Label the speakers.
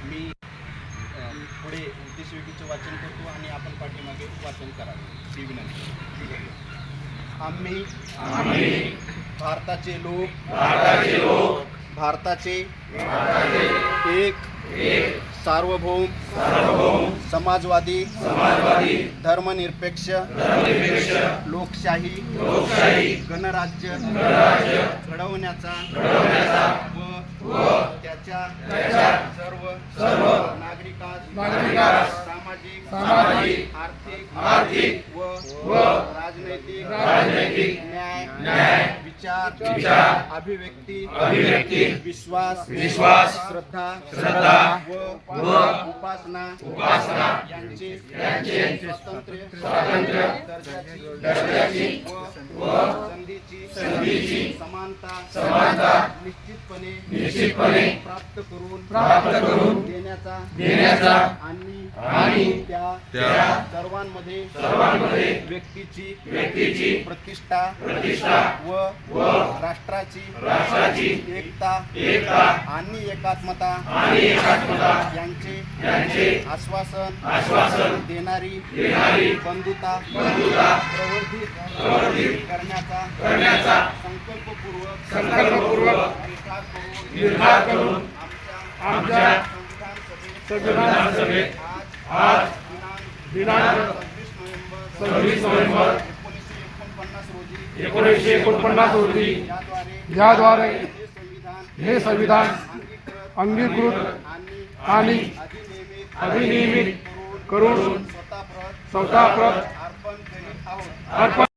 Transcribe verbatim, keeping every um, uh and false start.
Speaker 1: मी अ, पुढे उद्देशवेळीचे वाचन करतो आणि आपण पाठीमागे वाचन करावे ही विनंती. आम्ही
Speaker 2: आम्ही
Speaker 1: भारताचे लोक
Speaker 2: भारताचे लोक
Speaker 1: भारताचे
Speaker 2: भारताचे
Speaker 1: एक
Speaker 2: एक
Speaker 1: सार्वभौम
Speaker 2: सार्वभौम
Speaker 1: समाजवादी
Speaker 2: समाजवादी
Speaker 1: धर्मनिरपेक्ष
Speaker 2: धर्मनिरपेक्ष
Speaker 1: लोकशाही
Speaker 2: लोकशाही
Speaker 1: गणराज्य
Speaker 2: गणराज्य
Speaker 1: घडवण्याचा
Speaker 2: घडवण्याचा
Speaker 1: व
Speaker 2: व
Speaker 1: त्याच्या
Speaker 2: त्याच्या
Speaker 1: सर्व
Speaker 2: सर्व
Speaker 1: नागरिकास
Speaker 2: नागरिकास
Speaker 1: सामाजिक
Speaker 2: सामाजिक
Speaker 1: आर्थिक
Speaker 2: आर्थिक
Speaker 1: व
Speaker 2: व
Speaker 1: राजनैतिक
Speaker 2: राजनैतिक
Speaker 1: न्याय
Speaker 2: न्याय
Speaker 1: विचार
Speaker 2: विचार
Speaker 1: अभिव्यक्ती
Speaker 2: अभिव्यक्ती
Speaker 1: विश्वास
Speaker 2: विश्वास
Speaker 1: श्रद्धा
Speaker 2: श्रद्धा
Speaker 1: व
Speaker 2: व
Speaker 1: उपासना
Speaker 2: उपासना
Speaker 1: यांचे
Speaker 2: यांचे
Speaker 1: स्वातंत्र्य
Speaker 2: स्वातंत्र्य
Speaker 1: दर्जाची
Speaker 2: दर्जाची
Speaker 1: व
Speaker 2: व
Speaker 1: संधीची
Speaker 2: संधीची
Speaker 1: समानता
Speaker 2: समानता
Speaker 1: निश्चितपणे
Speaker 2: निश्चितपणे
Speaker 1: प्राप्त करून
Speaker 2: प्राप्त करून
Speaker 1: देण्याचा
Speaker 2: देण्याचा
Speaker 1: आणि
Speaker 2: आणि
Speaker 1: त्या
Speaker 2: त्या
Speaker 1: सर्वांमध्ये
Speaker 2: सर्वांमध्ये
Speaker 1: व्यक्तीची
Speaker 2: व्यक्तीची
Speaker 1: प्रतिष्ठा
Speaker 2: प्रतिष्ठा
Speaker 1: व
Speaker 2: व
Speaker 1: राष्ट्राची
Speaker 2: राष्ट्राची
Speaker 1: एकता
Speaker 2: एकता
Speaker 1: आणि एकात्मता
Speaker 2: आणि एकात्मता
Speaker 1: यांचे
Speaker 2: यांचे
Speaker 1: आश्वासन
Speaker 2: आश्वासन
Speaker 1: देणारी
Speaker 2: देणारी
Speaker 1: बंधुता
Speaker 2: बंधुता
Speaker 1: प्रवर्धित
Speaker 2: प्रवर्धित
Speaker 1: करण्याचा
Speaker 2: करण्याचा
Speaker 1: संकल्पपूर्वक
Speaker 2: संकल्पपूर्वक
Speaker 1: निर्धार करून
Speaker 2: निर्धार करून
Speaker 1: आमच्या
Speaker 2: आमच्या
Speaker 1: संविधान
Speaker 2: संविधान
Speaker 1: सभेत
Speaker 2: सभेत
Speaker 1: आज
Speaker 2: आज
Speaker 1: दिनांक
Speaker 2: दिनांक
Speaker 1: सव्वीस नोव्हेंबर
Speaker 2: सव्वीस नोव्हेंबर
Speaker 1: एकोणीसशे एकोणपन्नास रोजी
Speaker 2: एकोणीसशे एकोणपन्नास रोजी
Speaker 1: याद्वारे
Speaker 2: याद्वारे
Speaker 1: हे संविधान
Speaker 2: हे संविधान
Speaker 1: अंगीकृत
Speaker 2: अंगीकृत
Speaker 1: आणि
Speaker 2: आणि
Speaker 1: अधिनियमित
Speaker 2: अधिनियमित करून
Speaker 1: स्वतः प्रत
Speaker 2: स्वतः प्रत
Speaker 1: अर्पण करीत आहोत.
Speaker 2: अर्पण